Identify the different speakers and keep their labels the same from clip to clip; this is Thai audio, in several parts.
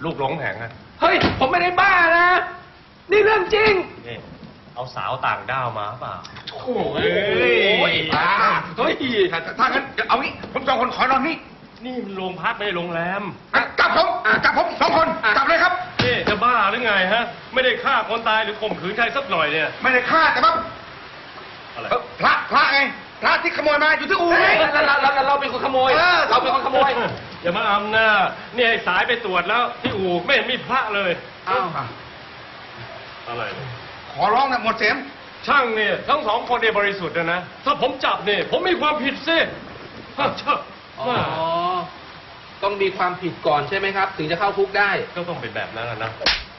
Speaker 1: ลูกหลงแผงอะ
Speaker 2: เฮ้ยผมไม่ได้บ้านะนี่เรื่องจริง
Speaker 1: นี่เอาสาวต่างด้าวมาเปล่า
Speaker 2: โอ้ยบ้าเฮ้ย
Speaker 3: ถ้างั้นเอางี้ผมสองคนขอนอนนี่
Speaker 1: นี่มันโรงพักไม่ใช่โรงแรม
Speaker 3: กลับผมสองคนกลับเลยครับ
Speaker 1: นี่จะบ้าหรือไงฮะไม่ได้ฆ่าคนตายหรือข่มขืนใครสักหน่อยเนี่ย
Speaker 3: ไม่ได้ฆ่าแต่ว่า
Speaker 1: อะไร
Speaker 3: พระไงพระที่ขโมยมาอยู่ที่อู่ไง
Speaker 2: เราเป็นคนขโมยเราเป็นคนขโมย
Speaker 1: อย่ามาอำนะนี่ไอ้สายไปตรวจแล้วที่อู่ไม่เห็นมีพระเลย
Speaker 2: อ้าว
Speaker 1: อะไร
Speaker 3: ขอร้องนะหมดเสียง
Speaker 1: ช่างเนี่ยทั้งสองคนเนี่ยบริสุทธิ์นะถ้าผมจับเนี่ยผมมีความผิดสิฮะเชอะ
Speaker 2: อ๋อต้องมีความผิดก่อนใช่ไหมครับ ถึงจะเข้าคุกได้
Speaker 1: ก็ต้องเป็นแบบนั้นนะ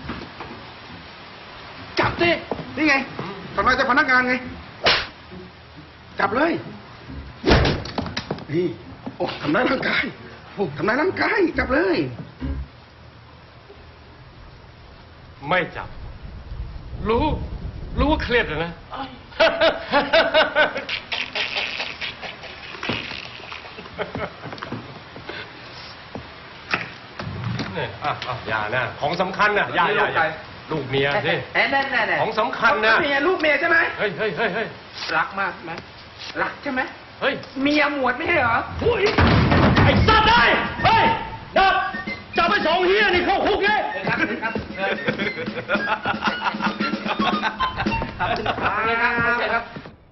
Speaker 2: จับสิ
Speaker 3: นี่ไงทำลายเจ้าพนักงานไง จับเลย นี่ โอ้ทำร้ายร่างกายโอ้ทำร้ายร่างกาย จับเลย
Speaker 1: ไม่จับ รู้ว่าเครียดนะ เนี่ยอย่านะของสำคัญนะอย่าลูกเมียสิ
Speaker 2: แน่ๆ
Speaker 1: ของสำคัญนะ
Speaker 2: ลูกเมียใช่ไหม
Speaker 1: เฮ้ย
Speaker 2: รักมากไหมรักใช่ไหม
Speaker 1: เฮ้ย
Speaker 2: เมียหมวดไม่ใช่เหรอ
Speaker 1: ไอ้สั